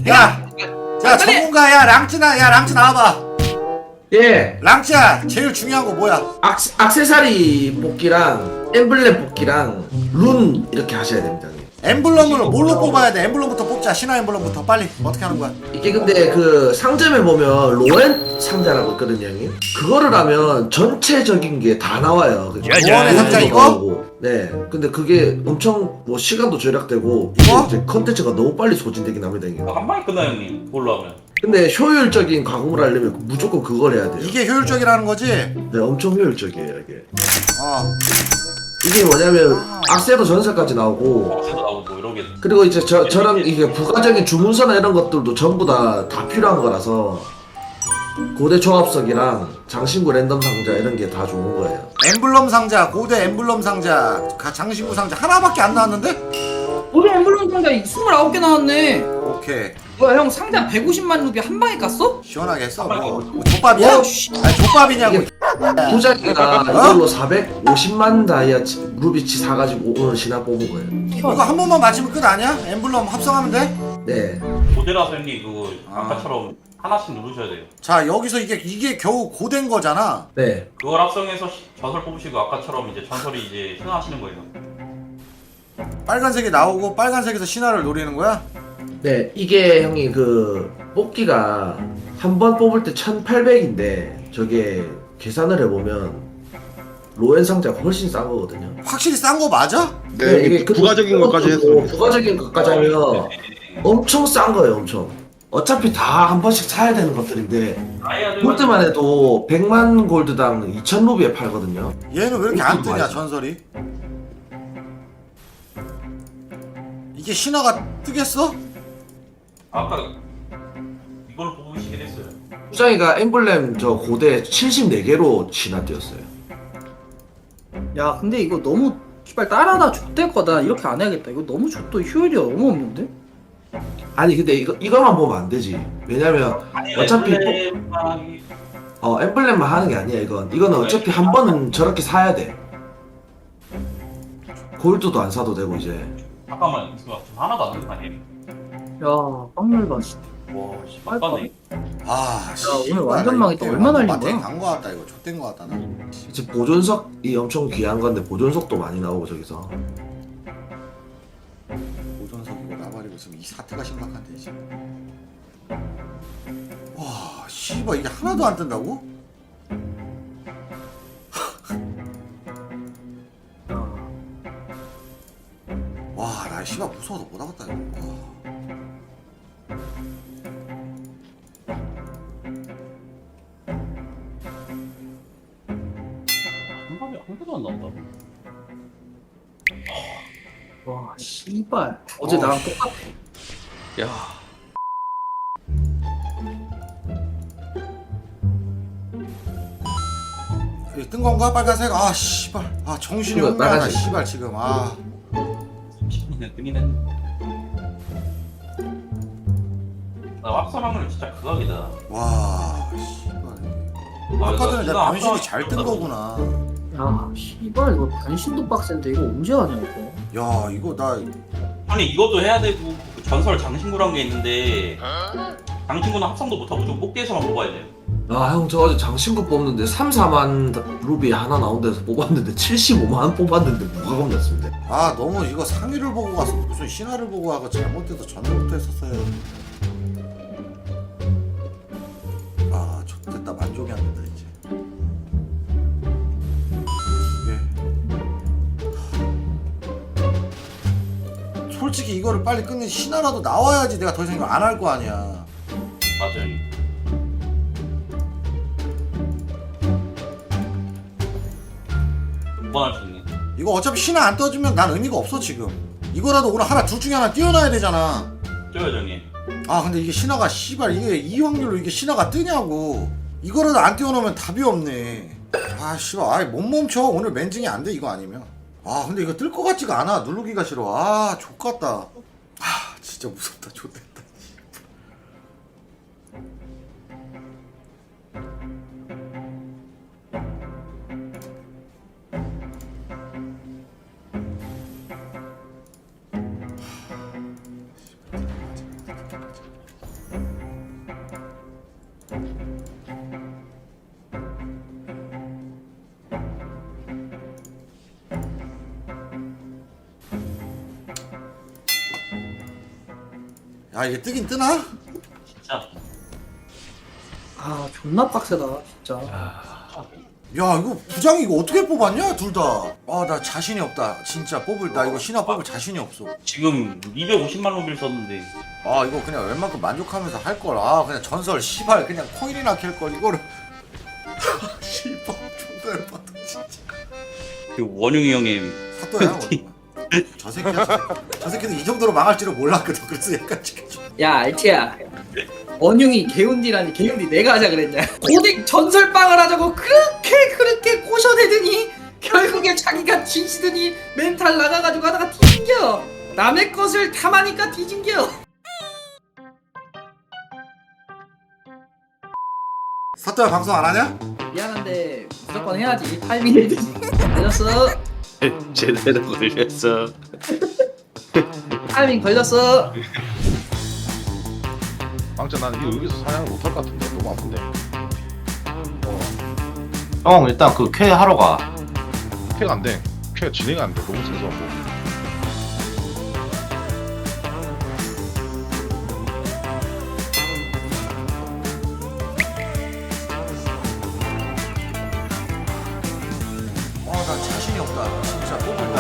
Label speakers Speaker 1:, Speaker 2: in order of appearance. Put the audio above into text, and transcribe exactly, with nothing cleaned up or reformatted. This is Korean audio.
Speaker 1: 야, 자 전문가야 랑찌나 야 랑찌 나와봐.
Speaker 2: 예,
Speaker 1: 랑찌야 제일 중요한 거 뭐야?
Speaker 2: 악, 악세사리 뽑기랑 엠블렘 뽑기랑 룬 이렇게 하셔야 됩니다. 형님.
Speaker 1: 엠블럼을 뭘로 뽑아야 돼? 엠블럼부터 뽑자. 신화 엠블럼부터 빨리 어떻게 하는 거야?
Speaker 2: 이게 근데 그 상점에 보면 로엔 상자라고 있거든요, 형님. 그거를 하면 전체적인 게 다 나와요.
Speaker 1: 로엔의 상자 이거?
Speaker 2: 네. 근데 그게 엄청 뭐 시간도 절약되고
Speaker 1: 이거?
Speaker 2: 이제 컨텐츠가 너무 빨리 소진되긴 합니다, 형님.
Speaker 3: 한 방에 끝나요 형님. 그걸로 하면.
Speaker 2: 근데 효율적인 가공을 하려면 무조건 그걸 해야 돼요.
Speaker 1: 이게 효율적이라는 거지?
Speaker 2: 네, 엄청 효율적이에요, 이게.
Speaker 1: 어.
Speaker 2: 이게 뭐냐면 악세도 전설까지 나오고
Speaker 3: 박스도 나오고 뭐 이런 게.
Speaker 2: 그리고 이제 저, 저랑 이게 부가적인 주문서나 이런 것들도 전부 다, 다 필요한 거라서 고대 조합석이랑 장신구 랜덤 상자 이런 게 다 좋은 거예요.
Speaker 1: 엠블럼 상자, 고대 엠블럼 상자, 가- 장신구 상자 하나밖에 안 나왔는데?
Speaker 4: 우리 엠블럼 상자 스물아홉 개 나왔네.
Speaker 1: 오케이.
Speaker 4: 뭐야 형 상자 백오십만 루비 한 방에 깠어?
Speaker 1: 시원하게 했어. 뭐, 뭐 족밥이야?
Speaker 4: 어, 씨.
Speaker 1: 아니 족밥이냐고.
Speaker 2: 이게 부자기가 이걸로 사백오십만 다이아치 루비치 사가지고 오늘 신화 뽑은 거예요.
Speaker 1: 이거 한 번만 맞히면 끝 아니야? 엠블럼 합성하면 돼?
Speaker 2: 네.
Speaker 3: 모델라서 형님 그거
Speaker 1: 아.
Speaker 3: 아까처럼 하나씩 누르셔야 돼요.
Speaker 1: 자 여기서 이게 이게 겨우 고된 거잖아.
Speaker 2: 네.
Speaker 3: 그걸 합성해서 시- 전설 뽑으시고 아까처럼 이제 전설이 이제 신화하시는 거예요.
Speaker 1: 빨간색이 나오고 빨간색에서 신화를 노리는 거야?
Speaker 2: 네. 이게 형이 그 뽑기가 한 번 뽑을 때 천팔백인데 저게 계산을 해보면 로엔 상자가 훨씬 싼 거거든요.
Speaker 1: 확실히 싼 거 맞아?
Speaker 5: 네, 이게
Speaker 2: 그-
Speaker 5: 부가적인 것까지
Speaker 2: 그것도
Speaker 5: 했습니다.
Speaker 2: 부가적인 것까지 하면 엄청 싼 거예요, 엄청. 어차피 다 한 번씩 사야 되는 것들인데
Speaker 3: 다이아들
Speaker 2: 골드만 해도 백만 골드당 이천 루비에 팔거든요.
Speaker 1: 얘는 왜 이렇게 안 뜨냐
Speaker 2: 맞아.
Speaker 1: 전설이? 이게 신화가 뜨겠어?
Speaker 3: 아까 이걸 뽑으시긴 했어요.
Speaker 2: 수장이가 엠블렘 저 고대 칠십사 개로 진화되었어요.
Speaker 4: 야 근데 이거 너무 씨발 따라다 족될 거다. 이렇게 안 해야겠다. 이거 너무 족도 효율이 너무 없는데?
Speaker 2: 아니 근데 이거 이거만 보면 안 되지. 왜냐면 어차피
Speaker 3: 엠블렘이
Speaker 2: 어 엠블렘만 하는 게 아니야 이건. 이거는 어차피 한 번은 저렇게 사야 돼. 골드도 안 사도 되고 이제.
Speaker 3: 잠깐만 지금 하나도 안 되는 거 아니에요?
Speaker 4: 야 빵물봐 씨.
Speaker 3: 와, 씨, 막바네.
Speaker 1: 아,
Speaker 4: 오늘 완전 망했다. 얼마나 날린
Speaker 1: 마트에
Speaker 4: 거야?
Speaker 1: 간거 같다 이거 좆된 거 같다 나.
Speaker 2: 이제 보존석이 엄청 귀한 건데 보존석도 많이 나오고 저기서.
Speaker 1: 보존석이고 나발이고 지금 이 사태가 심각한데 지금. 와, 씨발 이게 하나도 안 뜬다고? 와, 나 씨발 무서워서 못 하겠다 이거. 와.
Speaker 3: 한 방에 한 개도 안 나온다.
Speaker 4: 와 씨발. 어제
Speaker 1: 어,
Speaker 4: 나랑
Speaker 1: 씨.
Speaker 4: 똑같아.
Speaker 3: 야.
Speaker 1: 이뜬 건가 빨간색? 아 씨발. 아 정신이
Speaker 2: 이거
Speaker 1: 혼미하다
Speaker 2: 빨간색.
Speaker 1: 씨발 지금. 아.
Speaker 3: 삼십분이나 뜨긴 했는데. 나 합성하면 진짜 극악이다.
Speaker 1: 와 씨발.
Speaker 3: 아,
Speaker 1: 아까 전에
Speaker 3: 진짜
Speaker 1: 내가 변신이
Speaker 3: 합성-
Speaker 1: 잘 뜬 거구나.
Speaker 4: 야 씨발 이거 변신도 빡센데 이거 언제 하냐 이거.
Speaker 1: 야 이거 나
Speaker 3: 아니 이것도 해야 되고 그 전설 장신구란 게 있는데 장신구는 합성도 못하고 무조건 뽑기에서만 뽑아야 돼요.
Speaker 2: 아 형 저 어제 장신구 뽑는데 삼, 사만 루비 하나 나온 데서 뽑았는데 칠십오만 원 뽑았는데 뭐가 겁났습니다.
Speaker 1: 아 너무 이거 상위를 보고 가서 무슨 신화를 보고 하고 잘못해서 전부터 했었어요. 아 좋됐다 만족이 안 된다 이제. 이게 솔직히 이거를 빨리 끝내 신화라도 나와야지 내가 더 이상 이거 안 할 거 아니야.
Speaker 3: 맞아요. 두 번 할 수 있네.
Speaker 1: 이거 어차피 신화 안 떠주면 난 의미가 없어 지금. 이거라도 오늘 하나 둘 중에 하나 띄워놔야 되잖아.
Speaker 3: 쪼요 형님.
Speaker 1: 아 근데 이게 신화가 씨발 이게 이 확률로 이게 신화가 뜨냐고. 이거라도 안 띄워놓으면 답이 없네. 아 씨발 아이 못 멈춰. 오늘 맨징이 안 돼 이거 아니면. 아 근데 이거 뜰 것 같지가 않아. 누르기가 싫어. 아 족같다. 아 진짜 무섭다. 족됐다. 야 이게 뜨긴 뜨나?
Speaker 3: 진짜.
Speaker 4: 아 존나 빡세다 진짜.
Speaker 1: 야 이거 부장 이거 어떻게 뽑았냐 둘 다. 아 나 자신이 없다 진짜 뽑을 나 이거 신화 뽑을 자신이 없어.
Speaker 3: 지금 이백오십만 루비를 썼는데
Speaker 1: 아 이거 그냥 웬만큼 만족하면서 할 걸. 아 그냥 전설 씨발 그냥 코인이나 캘 걸 이거를. 씨발 존나 열받아 진짜.
Speaker 3: 그 원웅이 형님
Speaker 1: 사또야 원웅아. 저 새끼야 저, 새끼. 저 새끼는 이 정도로 망할 줄은 몰랐거든. 그래서 약간 지금 좀-
Speaker 4: 야 알티야. 원흉이 개운디라니 개운디 내가 하자 그랬냐. 고딕 전설빵을 하자고 그렇게 그렇게 꼬셔대더니 결국에 자기가 뒤지더니 멘탈 나가가지고 하다가 뒤진겨. 남의 것을 탐하니까 뒤진겨.
Speaker 1: 사또야 방송 안 하냐?
Speaker 4: 미안한데 무조건 해야지. 타이밍이 걸렸어.
Speaker 5: 제대로 걸렸어.
Speaker 4: 타이밍 걸렸어.
Speaker 6: 빵짜 나는 이거 여기서 사냥을 못할 것 같은데 너무 아픈데.
Speaker 5: 형 일단 그 쾌 하러 가.
Speaker 6: 쾌가 안 돼. 쾌가 진행이 안 돼. 너무 생소하고.
Speaker 1: 아 나 자신이 없다 진짜 뽑을